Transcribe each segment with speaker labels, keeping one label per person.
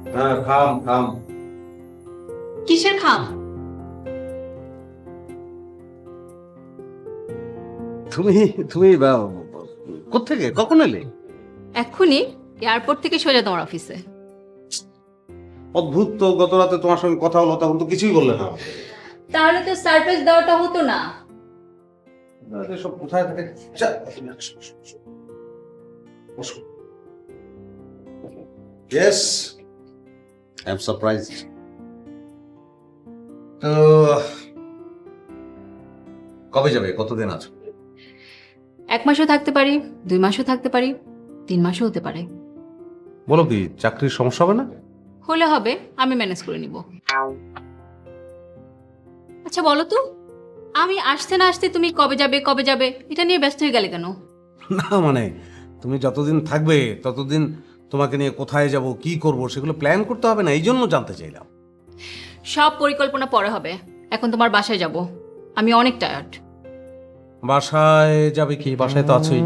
Speaker 1: হ্যাঁ, খাম খাম।
Speaker 2: কিসের খাম?
Speaker 1: তুমি তুমি কোত্থেকে কখন এলে?
Speaker 2: এক্ষুনি এয়ারপোর্ট থেকে সোজা তোমার অফিসে।
Speaker 1: অদ্ভুত তো, গত রাতে তোমার সঙ্গে কথা হলো তখন তো কিছুই বললে না।
Speaker 2: তাহলে তো সারপ্রাইজ দেওয়াটা হতো না।
Speaker 1: সব কোথায় থাকে? Yes, I am surprised. তো কবে যাবে? কতদিন আছো?
Speaker 2: 1 মাসও থাকতে পারি, 2 মাসও থাকতে পারি, 3 মাসও হতে পারে।
Speaker 1: বলো কি, চাকরির সমস্যা হবে না?
Speaker 2: হলে হবে, আমি ম্যানেজ করে নিব। আচ্ছা বলো তো, আমি আসতে না আসতে তুমি কবে যাবে কবে যাবে এটা নিয়ে ব্যস্ত হয়ে গেলে কেন?
Speaker 1: না মানে, তুমি যতদিন থাকবে ততদিন তোমাকে নিয়ে কোথায় যাব, কি করব, সেগুলো প্ল্যান করতে হবে না, এই জন্য জানতে চাইলাম।
Speaker 2: সব পরিকল্পনা পরে হবে, এখন তোমার বাসায় যাব। আমি অনেক টায়ার্ড।
Speaker 1: বাসায় যাবে কি? বাসায় তো আছোই।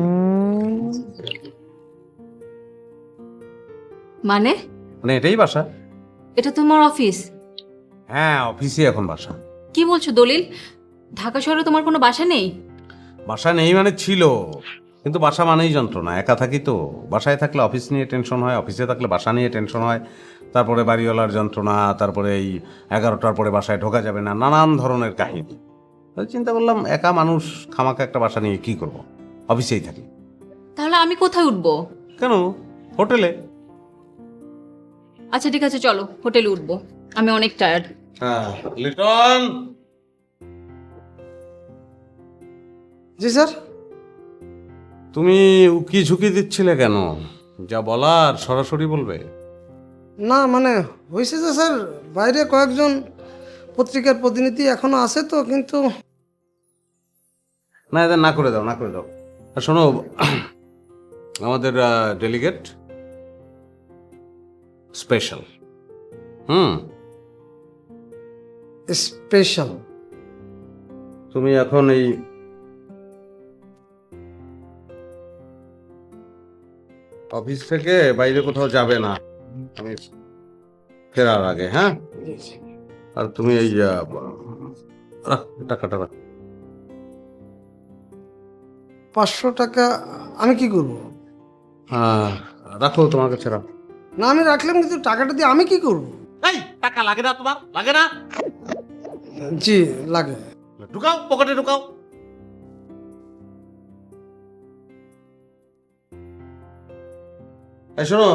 Speaker 2: মানে?
Speaker 1: মানে এটাই বাসা।
Speaker 2: এটা তোমার অফিস?
Speaker 1: হ্যাঁ, অফিসে এখন বাসা।
Speaker 2: কি বলছো দলিল? ঢাকা শহরে তোমার কোনো বাসা নেই?
Speaker 1: বাসা নেই মানে ছিল, কিন্তু বাসা মানেই যন্ত্রণা। একা থাকি তো, বাসায় থাকলে অফিস নিয়ে টেনশন হয়, অফিসে থাকলে বাসা নিয়ে টেনশন হয়, তারপরে বাড়িওয়ালার যন্ত্রণা, তারপরে এই 11টার পরে বাসায় ঢোকা যাবে না, নানান ধরনের কাহিনী। তাই চিন্তা করলাম একা মানুষ খামাকা একটা বাসা নিয়ে কি করব, অফিসেই থাকি।
Speaker 2: তাহলে আমি কোথায় উঠবো?
Speaker 1: কেন? হোটেলে।
Speaker 2: আচ্ছা ঠিক আছে, চলো হোটেলে উঠবো, আমি অনেক টায়ার্ড।
Speaker 1: হ্যাঁ, লিটন।
Speaker 3: জি স্যার।
Speaker 1: তুমি উকি ঝুঁকি দিচ্ছিলে কেন? যা বলার সরাসরি বলবে।
Speaker 3: না মানে হয়েছে যে স্যার, বাইরে কয়েকজন পত্রিকার প্রতিনিধি এখনো আছে তো, কিন্তু
Speaker 1: না, এদের না করে দাও, না করে দাও। আর শোনো, আমাদের ডেলিগেট স্পেশাল। হুম।
Speaker 3: স্পেশাল।
Speaker 1: তুমি এখন এই অফিস থেকে বাইরে কোথাও যাবে না আমি ফেরার আগে, হ্যাঁ? আর তুমি এই রাখ, টাকাটা রাখ।
Speaker 3: 500 টাকা আমি কি করব?
Speaker 1: রাখো, তোমার কাছে রাখো।
Speaker 3: না আমি রাখলাম, কিন্তু টাকাটা দিয়ে আমি কি করব?
Speaker 1: এই টাকা লাগে না তোমার? লাগে না?
Speaker 3: জি লাগে।
Speaker 1: ঢুকাও, পকেটে ঢুকাও। এই শোনো,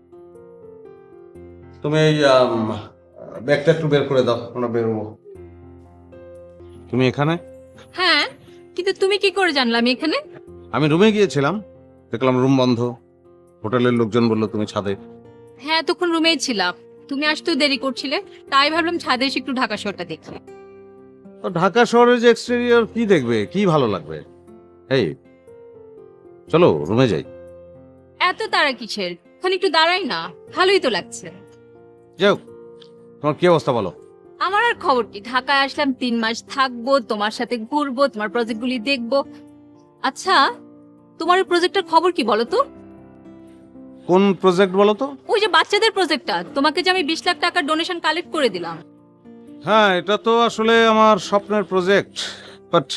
Speaker 1: তুমি এই ব্যাগটা একটু বের করে দাও, আমরা বেরোবো। তুমি এখানে?
Speaker 2: হ্যাঁ, কিন্তু তুমি কি করে জানলে আমি এখানে?
Speaker 1: আমি রুমে গিয়েছিলাম, দেখলাম রুম বন্ধ। হোটেলের লোকজন বললো তুমি ছাদে।
Speaker 2: হ্যাঁ, তখন রুমেই ছিলাম, তুমি আসতেও দেরি করছিলে, তাই ভাবলাম ছাদে এসে একটু ঢাকা শহরটা দেখি।
Speaker 1: তো ঢাকা শহরের যে এক্সটেরিয়র কি দেখবে, কি ভালো লাগবে? এই চলো রুমে যাই।
Speaker 2: এত তারা কিসের? ওখানে একটু দাঁড়াই না, ভালোই তো লাগছে।
Speaker 1: যাও, তোমার কি অবস্থা বলো।
Speaker 2: আমার আর খবর কি, ঢাকায় আসলাম 3 মাস থাকবো, তোমার সাথে ঘুরবো, তোমার প্রজেক্টগুলি দেখবো। আচ্ছা, তোমার প্রজেক্টের খবর কি বলো তো?
Speaker 1: কোন প্রজেক্ট বলো তো?
Speaker 2: ওই যে বাচ্চাদের প্রজেক্টটা, তোমাকে যে আমি 20 লাখ টাকার ডোনেশন কালেক্ট করে দিলাম।
Speaker 1: হ্যাঁ, এটা তো আসলে আমার স্বপ্নের project, but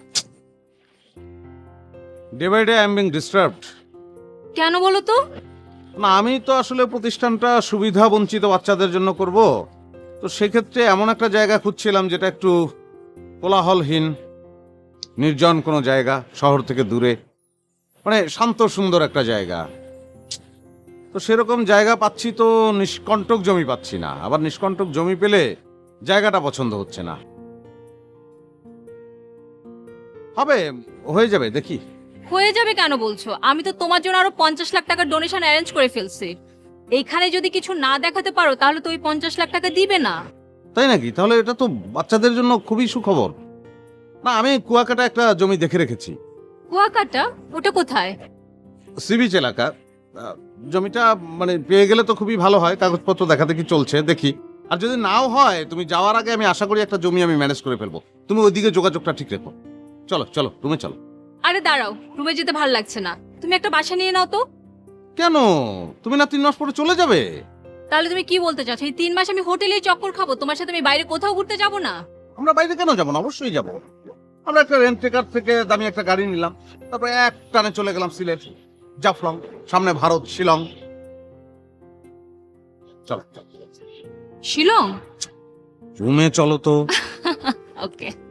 Speaker 1: day by day I am being disturbed.
Speaker 2: কেন বলো তো?
Speaker 1: না, আমি তো আসলে প্রতিষ্ঠানটা সুবিধা বঞ্চিত বাচ্চাদের জন্য করব, তো সেক্ষেত্রে এমন একটা জায়গা খুঁজছিলাম যেটা একটু কোলাহলহীন, নির্জন কোনো জায়গা, শহর থেকে দূরে, মানে শান্ত সুন্দর একটা জায়গা। তো সেরকম জায়গা পাচ্ছি তো নিষ্কণ্টক জমি পাচ্ছি না, আবার নিষ্কণ্টক জমি পেলে জায়গাটা পছন্দ হচ্ছে না। হবে, হয়ে যাবে, দেখি।
Speaker 2: হয়ে যাবে কেন বলছো? আমি তো তোমার জন্য আরো 50 লাখ টাকার ডোনেশন অ্যারেঞ্জ করে ফেলছি। এইখানে যদি কিছু না দেখাতে পারো তাহলে তো ওই 50 লাখ টাকা দিবে না।
Speaker 1: তাই নাকি? তাহলে এটা তো বাচ্চাদের জন্য খুবই সুখবর। না, আমি কুয়াকাটা একটা জমি দেখে রেখেছি।
Speaker 2: কুয়াকাটা? ওটা কোথায়?
Speaker 1: সি বিচ এলাকা। জমিটা মানে পেয়ে গেলে তো খুবই ভালো হয়, কাগজপত্র দেখাতে কি চলছে দেখি। আর যদি নাও হয়, তুমি যাওয়ার আগে আমি আশা করি একটা জমি আমি ম্যানেজ করে ফেলবো। তুমি ওইদিকে যোগাযোগটা ঠিক রেখো। চলো চলো, রুমে চলো।
Speaker 2: আরে দাঁড়াও, রুমে যেতে ভালো লাগছে না, তুমি একটা বাসা নিয়ে নাও তো।
Speaker 1: কেন? তুমি না 3 মাস পরে চলে যাবে?
Speaker 2: তাহলে তুমি কি বলতে চাচ্ছ এই 3 মাস আমি হোটেলেই চক্কর খাবো, তোমার সাথে আমি বাইরে কোথাও ঘুরতে যাব না?
Speaker 1: আমরা বাইরে কেন যাবো না? অবশ্যই যাবো। আমরা একটা রেন্ট কার থেকে দামি একটা গাড়ি নিলাম, তারপরে এক টানে চলে গেলাম সিলেট, জাফলং, সামনে ভারত, শিলং। চলো
Speaker 2: শিলং?
Speaker 1: রুমে চলো তো।
Speaker 2: ওকে।